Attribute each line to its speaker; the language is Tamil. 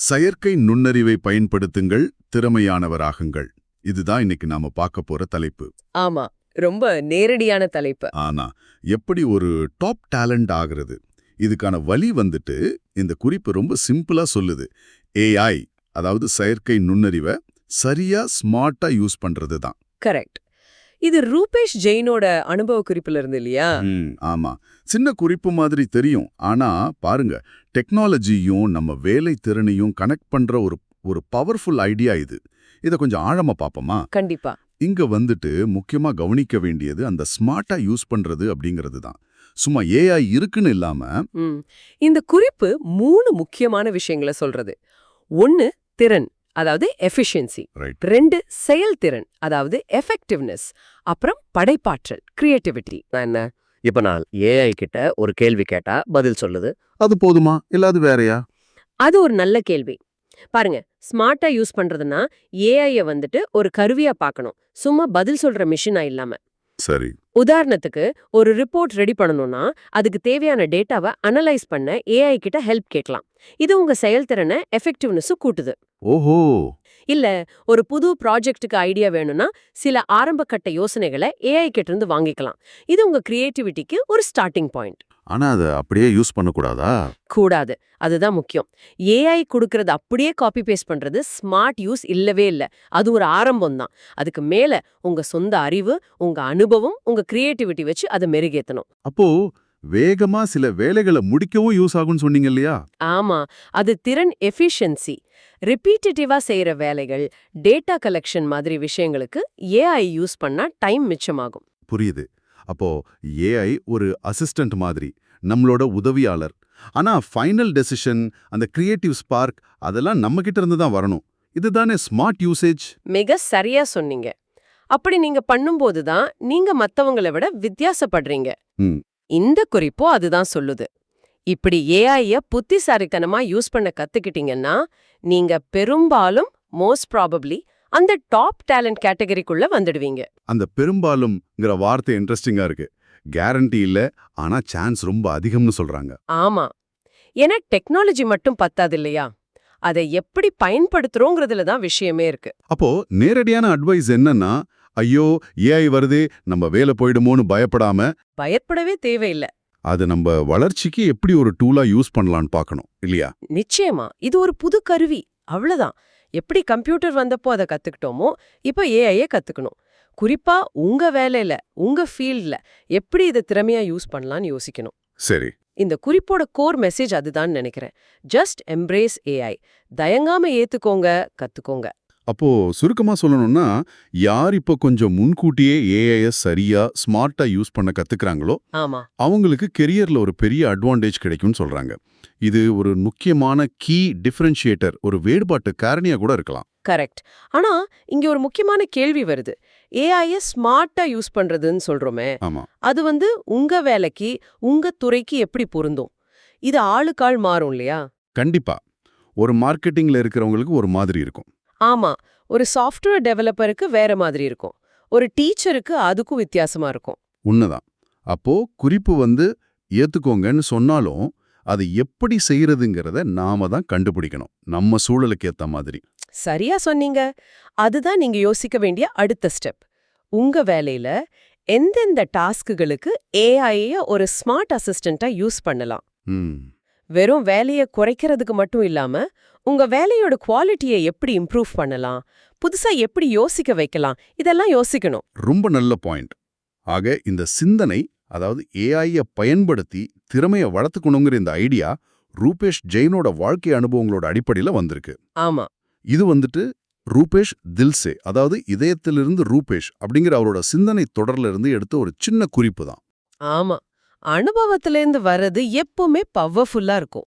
Speaker 1: செயற்கை நுண்ணறிவை பயன்படுத்துங்கள், திறமையானவராகுங்கள். இதுதான் இன்னைக்கு நாம பார்க்க போற தலைப்பு.
Speaker 2: ஆமா, ரொம்ப நேரடியான தலைப்பு.
Speaker 1: ஆனா எப்படி ஒரு டாப் டேலண்ட் ஆகிறது? இதுக்கான வழி வந்துட்டு இந்த குறிப்பு ரொம்ப சிம்பிளா சொல்லுது. ஏஐ, அதாவது செயற்கை நுண்ணறிவை சரியா ஸ்மார்ட்டா யூஸ் பண்றது தான்.
Speaker 2: கரெக்ட். இது ரூபேஷ் ஜெயினோட அனுபவ குறிப்புல இருந்து இல்லையா?
Speaker 1: ஆமா, சின்ன குறிப்பு மாதிரி தெரியும். ஆனா பாருங்க, டெக்னாலஜியும் நம்ம வேலை திறனையும் கனெக்ட் பண்ற ஒரு பவர்ஃபுல் ஐடியா இது. இதை கொஞ்சம் ஆழமா பார்ப்போமா?
Speaker 2: கண்டிப்பா.
Speaker 1: இங்க வந்துட்டு முக்கியமா கவனிக்க வேண்டியது அந்த ஸ்மார்ட்டா யூஸ் பண்றது அப்படிங்கிறது தான். சும்மா ஏஐ இருக்குன்னு இல்லாம
Speaker 2: இந்த குறிப்பு 3 முக்கியமான விஷயங்களை சொல்றது. 1 திறன், அதாவது எஃபிஷியன்சி. 2 செயல்திறன், அதாவது எஃபெக்டிவ்னஸ். அப்புறம் படைப்பாற்றல், கிரியேட்டிவிட்டி.
Speaker 3: என்ன, இப்ப நான் ஏஐ கிட்ட ஒரு கேள்வி கேட்டா பதில் சொல்லுது.
Speaker 1: அது போதுமா இல்லாது வேறயா?
Speaker 2: அது ஒரு நல்ல கேள்வி. பாருங்க, ஸ்மார்ட்டா யூஸ் பண்றதுன்னா ஏஐய வந்துட்டு ஒரு கருவியா பார்க்கணும், சும்மா பதில் சொல்ற மிஷினா இல்லாம.
Speaker 1: சரி.
Speaker 2: உதாரணத்துக்கு ஒரு ரிப்போர்ட் ரெடி பண்ணணும்னா அதுக்கு தேவையான டேட்டாவை அனலைஸ் பண்ண ஏஐ கிட்ட ஹெல்ப் கேட்கலாம். இது உங்க செயல்திறனை எஃபெக்டிவ்னஸும் கூட்டுது.
Speaker 1: ஓஹோ.
Speaker 2: இல்ல ஒரு புது ப்ராஜெக்ட்டுக்கு ஐடியா வேணும்னா சில ஆரம்பகட்ட யோசனைகளை ஏஐ கிட்ட இருந்து வாங்கிக்கலாம். இது உங்க கிரியேட்டிவிட்டிக்கு ஒரு ஸ்டார்டிங் பாயிண்ட்.
Speaker 1: ஆனா அதை அப்படியே யூஸ் பண்ணக்கூடாதா?
Speaker 2: கூடாது, அதுதான் முக்கியம். ஏஐ கொடுக்கறது அப்படியே காப்பி பேஸ்ட் பண்றது ஸ்மார்ட் யூஸ் இல்லவே இல்ல. அது ஒரு ஆரம்பம் தான். அதுக்கு மேல உங்க சொந்த அறிவு, உங்க அனுபவம், உங்க கிரியேட்டிவிட்டி வச்சு அதை மெருகேத்தணும்.
Speaker 1: அப்போ வேகமா சில வேலைகளை முடிக்கவும் யூஸ் ஆகும்னு சொன்னீங்க இல்லையா?
Speaker 2: ஆமா, அது திறன் எஃபிஷியன்சி. ரிப்பீட்டேட்டிவா செய்யற வேலைகள், டேட்டா கலெக்ஷன் மாதிரி விஷயங்களுக்கு ஏஐ யூஸ் பண்ணா டைம் மிச்சமாகும்.
Speaker 1: புரியுது. அப்போ ஏஐ ஒரு அசிஸ்டன்ட் மாதிரி, நம்மளோட உதவியாளர். ஆனா ஃபைனல் டெசிஷன், அந்த கிரியேட்டிவ் ஸ்பார்க், அதெல்லாம் நம்ம கிட்ட இருந்து தான் வரணும். இதுதானே ஸ்மார்ட் யூசேஜ்?
Speaker 2: மிக சரியா சொன்னீங்க. அப்படி நீங்க பண்ணும்போது தான் நீங்க மத்தவங்களை விட வித்தியாசப்படுறீங்க. இந்த குறிப்போ அதுதான் சொல்லுது. இப்படி ஏஐய புத்திசாலித்தனமா யூஸ் பண்ண கத்துக்கிட்டீங்கன்னா நீங்க பெரும்பாலும் மோஸ்ட் ப்ராபப்ளி அந்த டாப் டேலண்ட் கேட்டகரிக்குள்ள வந்துடுவீங்க.
Speaker 1: அந்த பெரும்பாலும்ங்கிற வார்த்தை இன்ட்ரெஸ்டிங்கா இருக்கு. கேரண்டி இல்ல, ஆனா சான்ஸ் ரொம்ப அதிகம்னு சொல்றாங்க.
Speaker 2: ஆமா, ஏன்னா டெக்னாலஜி மட்டும் பத்தாது இல்லையா, அதை எப்படி பயன்படுத்துறோங்கிறதுல தான் விஷயமே இருக்கு.
Speaker 1: அப்போ நேரடியான அட்வைஸ் என்னன்னா, ஐயோ ஏஐ வருதே நம்ம வேலை போயிடுமோன்னு
Speaker 2: பயப்படவே தேவையில்லை.
Speaker 1: அது நம்ம வளர்ச்சிக்கு எப்படி ஒரு டூலா யூஸ் பண்ணலான்னு பார்க்கணும் இல்லையா?
Speaker 2: நிச்சயமா, இது ஒரு புது கருவி, அவ்வளவுதான். எப்படி கம்ப்யூட்டர் வந்தப்போ அதை கத்துக்கிட்டோமோ இப்ப ஏஐயே கத்துக்கணும். குறிப்பா உங்க வேலையில, உங்க ஃபீல்ட்ல எப்படி இதை திறமையா யூஸ் பண்ணலாம்னு யோசிக்கணும்.
Speaker 1: சரி.
Speaker 2: இந்த குறிப்போட கோர் மெசேஜ் அதுதான் நினைக்கிறேன். Just embrace AI. தயங்காம ஏத்துக்கோங்க, கத்துக்கோங்க.
Speaker 1: அப்போ சுருக்கமா சொல்லணும்னா, யார் இப்போ கொஞ்சம் முன்கூட்டியே ஏஐ சரியா ஸ்மார்ட்டா யூஸ் பண்ண கத்துக்கிறாங்களோ
Speaker 2: ஆமா,
Speaker 1: அவங்களுக்கு கெரியர்ல ஒரு பெரிய அட்வான்டேஜ் கிடைக்கும்னு சொல்றாங்க. இது ஒரு முக்கியமான கீ டிஃபரன்ஷியேட்டர், ஒரு வேறுபாட்டு காரணியா கூட இருக்கலாம்.
Speaker 2: கரெக்ட். ஆனா இங்க ஒரு முக்கியமான கேள்வி வருது. ஏஐய ஸ்மார்ட்டா யூஸ் பண்றதுன்னு சொல்றோமே,
Speaker 1: ஆமா,
Speaker 2: அது உங்க வேலைக்கு, உங்க துறைக்கு எப்படி பொருந்தும்? இது ஆளுக்காள் மாறும் இல்லையா?
Speaker 1: கண்டிப்பா. ஒரு மார்க்கெட்டிங்ல இருக்கிறவங்களுக்கு ஒரு மாதிரி இருக்கும்.
Speaker 2: ஆமா, ஒரு சாஃப்ட்வேர் டெவலப்பருக்கு வேற மாதிரி இருக்கும். ஒரு டீச்சருக்கு அதுக்கும் வித்தியாசமா இருக்கும்.
Speaker 1: உண்மைதான். அப்போ குறிப்பு ஏத்துக்கோங்கன்னு சொன்னாலும் அது எப்படி செய்யறதுங்கிறத நாம தான் கண்டுபிடிக்கணும், நம்ம சூழலுக்கு ஏத்த மாதிரி.
Speaker 2: சரியா சொன்னீங்க. அதுதான் நீங்க யோசிக்க வேண்டிய அடுத்த ஸ்டெப். உங்க வேலையில எந்தெந்த டாஸ்க்குகளுக்கு ஏஐய ஒரு ஸ்மார்ட் அசிஸ்டண்டா யூஸ் பண்ணலாம்? வெறும் வேலையை குறைக்கிறதுக்கு மட்டும் இல்லாம உங்க வேலையோட குவாலிட்டியை எப்படி இம்ப்ரூவ் பண்ணலாம், புதுசா எப்படி யோசிக்க வைக்கலாம், இதெல்லாம் யோசிக்கணும்.
Speaker 1: ரொம்ப நல்ல பாயிண்ட். ஆக இந்த சிந்தனை, அதாவது ஏஐய பயன்படுத்தி திறமையை வளர்த்துக்கணுங்கிற இந்த ஐடியா ரூபேஷ் ஜெயினோட வாழ்க்கை அனுபவங்களோட அடிப்படையில வந்திருக்கு.
Speaker 2: ஆமா,
Speaker 1: இது ரூபேஷ் தில்சே, அதாவது இதயத்திலிருந்து ரூபேஷ் அப்படிங்கிற அவரோட சிந்தனை தொடர்ல இருந்து எடுத்த ஒரு சின்ன குறிப்பு தான்.
Speaker 2: ஆமா, அனுபவத்திலேருந்து வர்றது எப்பவுமே பவர்ஃபுல்லா இருக்கும்.